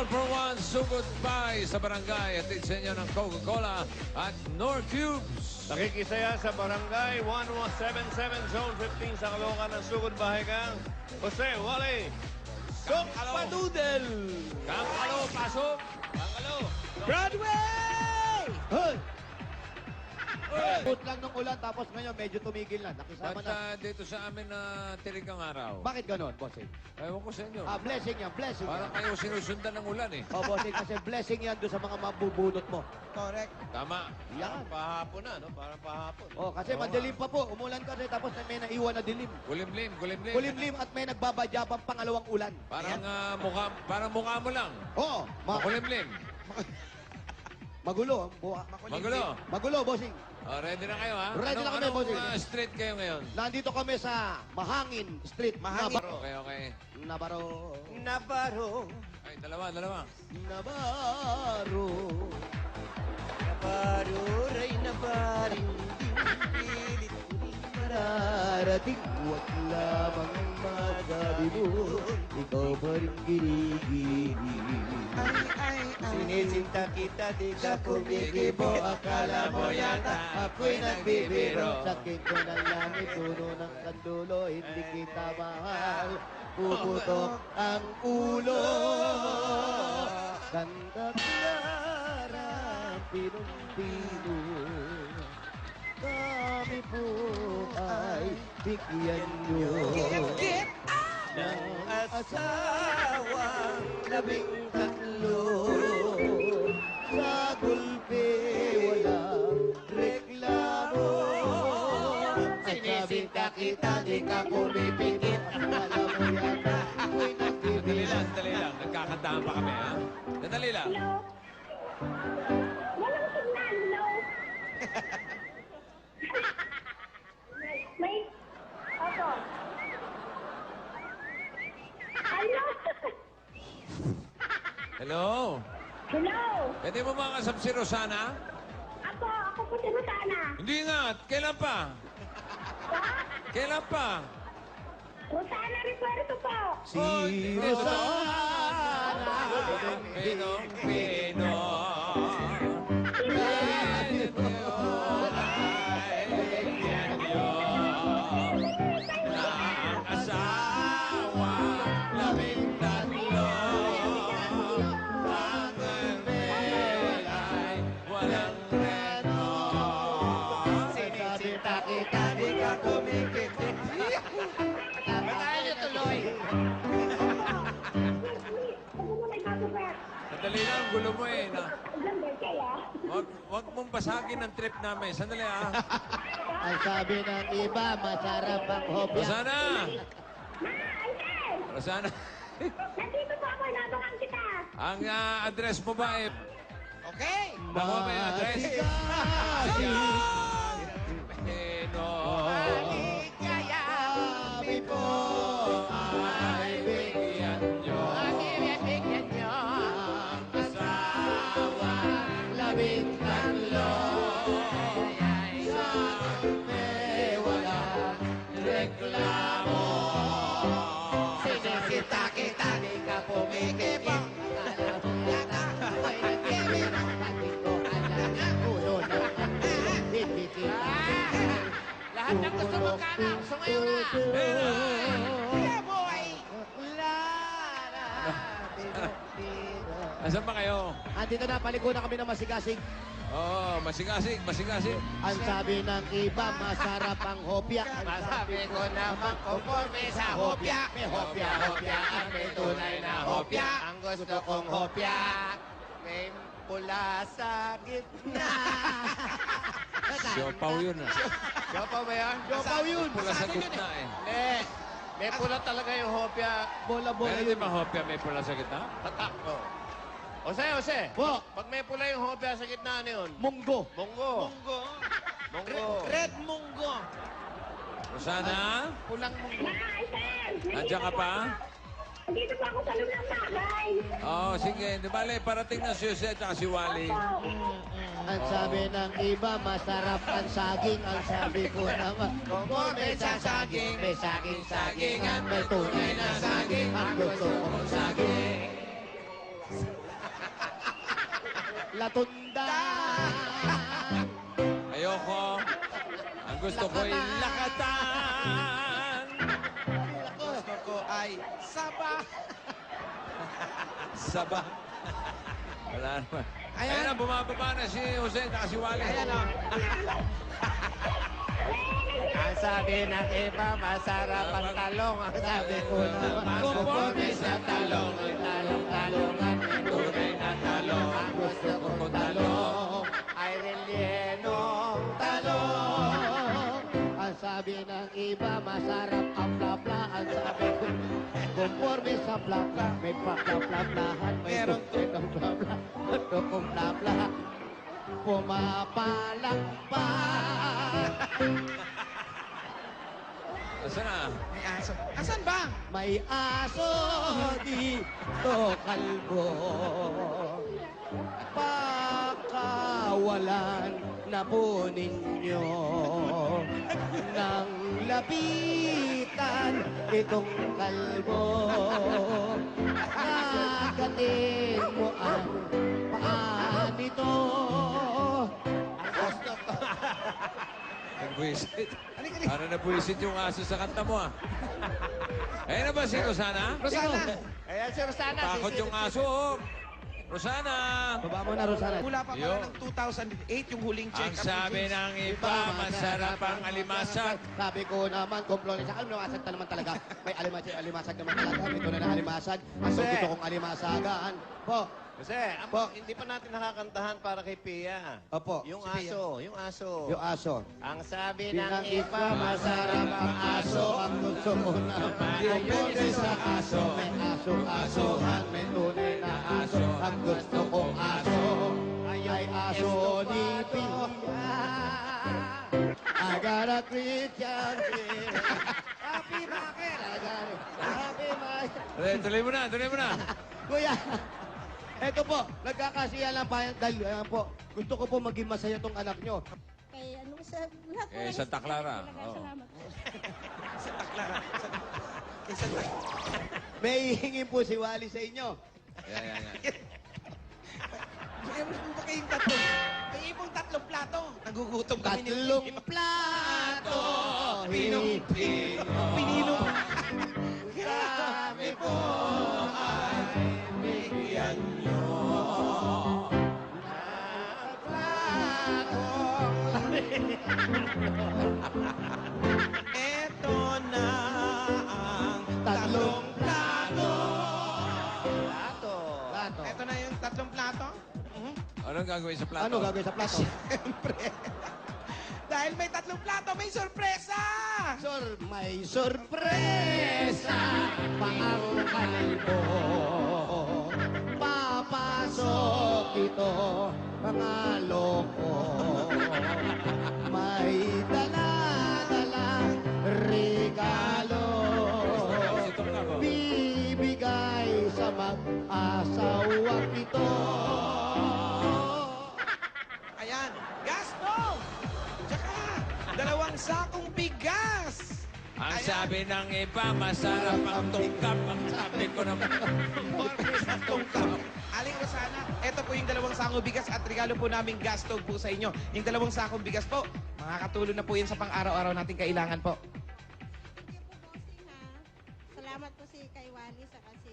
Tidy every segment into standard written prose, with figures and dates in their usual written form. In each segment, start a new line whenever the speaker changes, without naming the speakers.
for one sugod pie sa barangay. Atid sa inyo ng Coca-Cola at Nor Cubes.
Nakikisaya sa Barangay 1177 Zone 15 sa Caloocan ng Sugod Bahay Kang Jose Wally Padoodle.
Kangalo, pasok!
Kangalo.
Broadway!
Hoy! Put lang ng ulan tapos ngayon medyo tumigil na. Nakisama
Ba't
na.
dito sa amin na tirigang araw?
Bakit ganon, bossing?
Ewan ko sa inyo.
Blessing yan, blessing
Parang
yan.
kayo sinusundan ng ulan eh.
Bossing, kasi blessing yan doon sa mga mabubunot mo.
Correct.
Tama.
Yan.
Pahapon na, no? Parang pahapon.
Kasi
Oo
madilim pa po. Umulan kasi tapos may naiwan na dilim.
Kulimlim, kulimlim.
Kulimlim at may nagbabadya pang pangalawang ulan.
Parang mukha mo lang.
Oo.
Makulimlim.
Magulo.
Magulo.
Magulo, bossing.
Ready na kayo, ha?
Ready na kami, bossing.
Street kayo ngayon?
Nandito kami sa Mahangin Street.
Mahangin.
Navarro.
Okay, okay.
Navarro.
Navarro.
Ay, dalawa.
Navarro.
Navarro, ray Navarro. Pilit
Mararating, huwag lamang magabi mo. Ikaw pa rin ginigini.
Sinisinta kita, di ka
Kumikibo, akala mo yata ako'y nagbibiro. Sakit ko ng langit, puno ng kandulo, hindi kita mahal. Puputok ang ulo. Santa Clara, pinong-pino. Kami po ay bigyan nyo ng asawang 13. Sa gulpe walang reklamo. Sinisinta kita, di ka pumipikit. Akala mo yata ako'y nagbibiro.
Sandali lang. Nagkakantahan pa kami, ha? Sandali lang.
Hello? Walang signal, hello? May... Opo. Hello?
Hello?
Hello?
Pwede mo mga kasap si Rosana?
Ako po si Rosana.
Hindi nga. Kailan pa? Kailan pa?
Rosana Repuerto po.
Si Rosana.
Pinong Pino. Ang asawa, 13. Ang ay walang reno.
Sinisinta kita, di ka kumikit.
Tayo tuloy.
Ako mo may kagubat.
Sandali lang, gulo mo eh.
Ganda kaya.
Wag mong basagin ang trip namin. Sandali ah.
Ang sabi ng iba, masarap ang hopya.
Rosana!
Uncle!
Rosana,
Nandito po ako, inabangan kita.
ang address mo ba eh?
Okay.
Bako may address? Pino.
Kaya.
Kami po ay bigyan nyo
Bigyan nyo.
ang asawa 13. Sa may walang reklamo. Sinisita kita, di ka pumikipang. Akala mo yata ako'y nagbibiro. Bakit ko alam ang ulo ng kandulo, hindi kita.
Lahat ng gusto mo kanan. Sumayo na. Yeah, boy.
Asan ba kayo?
Andito na, paliko na kami ng masigasig.
Oo, masigasig, masigasig.
Ang sabi ng iba, masarap ang hopya.
Masabi ko naman conforme sa hopya.
May hopya, hopya, at may tunay na hopya.
Ang gusto kong hopya. May pula sa gitna.
Siopaw yun ah.
Siopaw ba yan?
Siopaw yun.
Pula sa gitna eh.
Hindi. May pula talaga yung hopya.
Bola-bola
Meron din
yun.
ba hopya may pula sa gitna?
Tatak ko. Jose.
Po,
Pag may pula yung hopya sa gitna, ano yun?
munggo.
Munggo. Munggo.
Red munggo.
Rosana?
Pulang munggo.
Uncle!
Andiyan ka pa?
Dito po ako sa loob ng bahay.
Oo, sige. Di bale, parating na si Jose at si Wally.
Ang sabi ng iba, masarap ang saging. Ang sabi ko naman, kung may sasaging, may saging-sagingan, may tunay na saging. Ang gusto kong saging. latundang.
Ayoko. Ang gusto ko ay lakatan.
Gusto ko ay saba.
Saba. Wala naman.
Ayan.
Ayan na, bumababa na si Jose at si Wally.
Ayan o.
Ang sabi ng iba, masarap ang talong. Ang sabi ko naman, conforme sa talong. Talong-talongan, tunay na talong. Ang gusto kong talong ay rellenong talong. Ang sabi ng iba, masarap ang plapla. Ang sabi ko, conforme sa plapla. May plapla-plaplahan, may
Meron
tukong plapla. Tukong plapla. Pumapalakpak.
Asa na?
May aso. Asan ba?
May aso dito, kalbo. Pakawalan na po ninyo ng lapitan itong kalbo. Kagatin mo ang paa nito.
Nagbuisit. Ano nabuisit yung aso sa kanta mo ah? Ayun na ba si Rosana?
Rosana.
Ayan si Rosana.
Takot yung aso oh. Rosana!
Baba mo na, Rosana.
Mula pa
Yo.
pala ng 2008 yung huling check-up.
Ang sabi
ni James.
ng iba, masarap ang alimasag.
Sabi ko naman, komplone sa alimasag ta naman talaga. May alimasag naman talaga. Ito na na alimasag. Ang
Jose.
gusto kong alimasagan. Po.
Kasi,
Po.
hindi pa natin nakakantahan para kay Pia.
Opo.
Yung
Si Pia.
aso, yung aso.
Yung aso.
Ang sabi
Pinang
ng
iba, masarap ang aso. Ang gusto ko naman. Komplone sa aso. May aso-asohan. May tunay na aso. Ang gusto kong aso. Ay aso ni Pia. I got a Christian friend. Happy bakit? I got it. Happy bakit?
Tuloy mo na, tuloy mo na.
Kuya, eto po, nagkakasiya lang pa dahil po, gusto ko po maging masaya tong anak nyo.
Kay ano sa lahat po
Eh,
ng
Santa Clara.
talaga,
Oo.
salamat po.
May hihingin po si Wally sa inyo.
Yan, yan, yan.
Meron po ba kayong tatlong? May ibang tatlong plato. Nagugutom kami ni
Tatlong plato,
Pinilo.
kami po ay bigyan nyo.
Eto na ang tatlong plato.
Plato.
Plato.
Eto na yung tatlong plato. Mhm.
Anong gagawin sa plato?
Ano gagawin sa plato?
Siyempre. Dahil may tatlong plato, may sorpresa!
May sorpresa pa ang kalbo. Papasok ito, mga loko. May dala-dalang regalo. Bibigay sa mag-asawang ito.
Ayan, gas stove! Tsaka, 2 sakong bigas!
Ang
Ayan.
sabi ng iba, masarap ang tungkap. Ang sabi ko naman.
Aling Rosana, ito po yung 2 sakong bigas at regalo po namin gas stove po sa inyo. Yung 2 sakong bigas po, makakatulong na po yan sa pang-araw-araw nating kailangan po.
Thank you po, bossing, ha. Salamat po si kay Wally sa kasi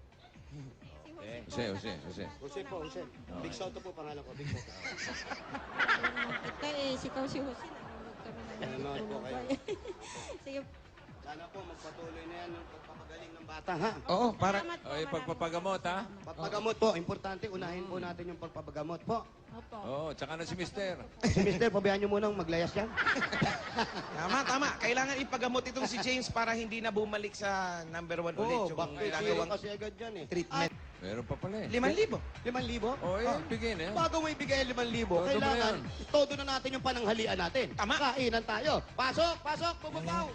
si Jose po.
Jose.
Jose po, Jose. Big Soto po pangalan ko, Big Soto.
Kita eh, si Jose, nanonood kami ng
Nanonood po kayo.
Sige,
Sana po magpatuloy na yan ng pagpapagaling ng bata, ha?
Oo, para...
salamat po.
O, yung pagpapagamot ha?
Pagpagamot po, importante, unahin po natin yung pagpapagamot po.
Opo.
Oo, tsaka na si Mister.
Si Mister, pabayaan nyo munang maglayas yan.
Tama. Kailangan ipagamot itong si James para hindi na bumalik sa number 1 ulit
Oo,
yung
bakit
ginagawang
kasi agad yan eh.
treatment.
Meron pa pala eh.
5,000.
5,000?
O, eh, bigay na yan.
Bago mo ibigay 5,000,
Todo
kailangan
na yan.
todo na natin yung pananghalian natin.
Tama.
Kainan tayo. Pasok, bububaw.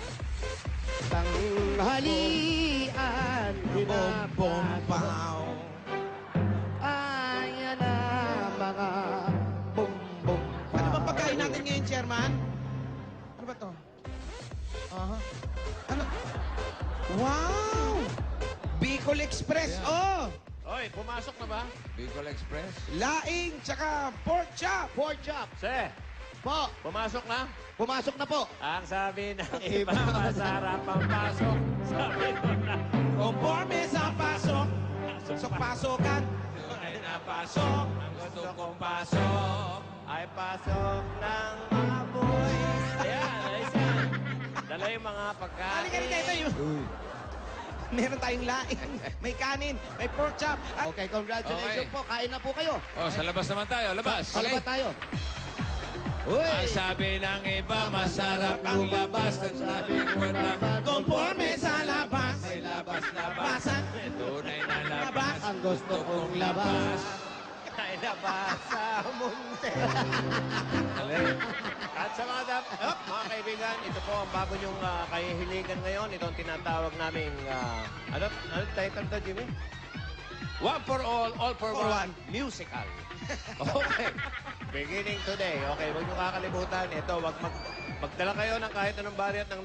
Tanghalian,
Bombaw.
Ayan na mga bumbum.
Ano bang pagkain natin ngayon, Chairman? Ano ba to? Aha. Ano? Wow! Bicol Express. Oh!
Oy, Okay, pumasok na ba?
Bicol Express.
Laing, tsaka pork chop.
Pork chop.
Se,
Po.
pumasok na?
Pumasok na po.
Ang sabi ng iba, masarap ang pasok. Sabi ko na,
Conforme sa pasok. Pasok-pasokan.
Tunay na pasok. Ang gusto kong pasok.
ay pasok ng mga boys. Ayan, ayos yan. Dala yung mga pagkain.
Halika rin kayo tayo. Meron tayong laing, may kanin, may pork chop. At
Okay, congratulations
Okay.
po. Kain na po kayo.
Oh, sa labas naman tayo. Labas.
Salamat tayo.
Ang
Uy!
sabi ng iba, masarap ang labas. Ang sabi ko naman,
conforme sa labas.
may labas-labas.
Basan.
Tunay na labas.
Ang gusto kong labas.
Ay, labas sa munti. At sa mga kaibigan, ito po ang bago niyong kahihiligan ngayon. Ito ang tinatawag naming, ano title to, Jimmy?
One for all for
For
one.
one, musical.
Okay.
Beginning today. Okay, huwag niyo kakalimutan. Ito, magdala kayo ng kahit anong variant ng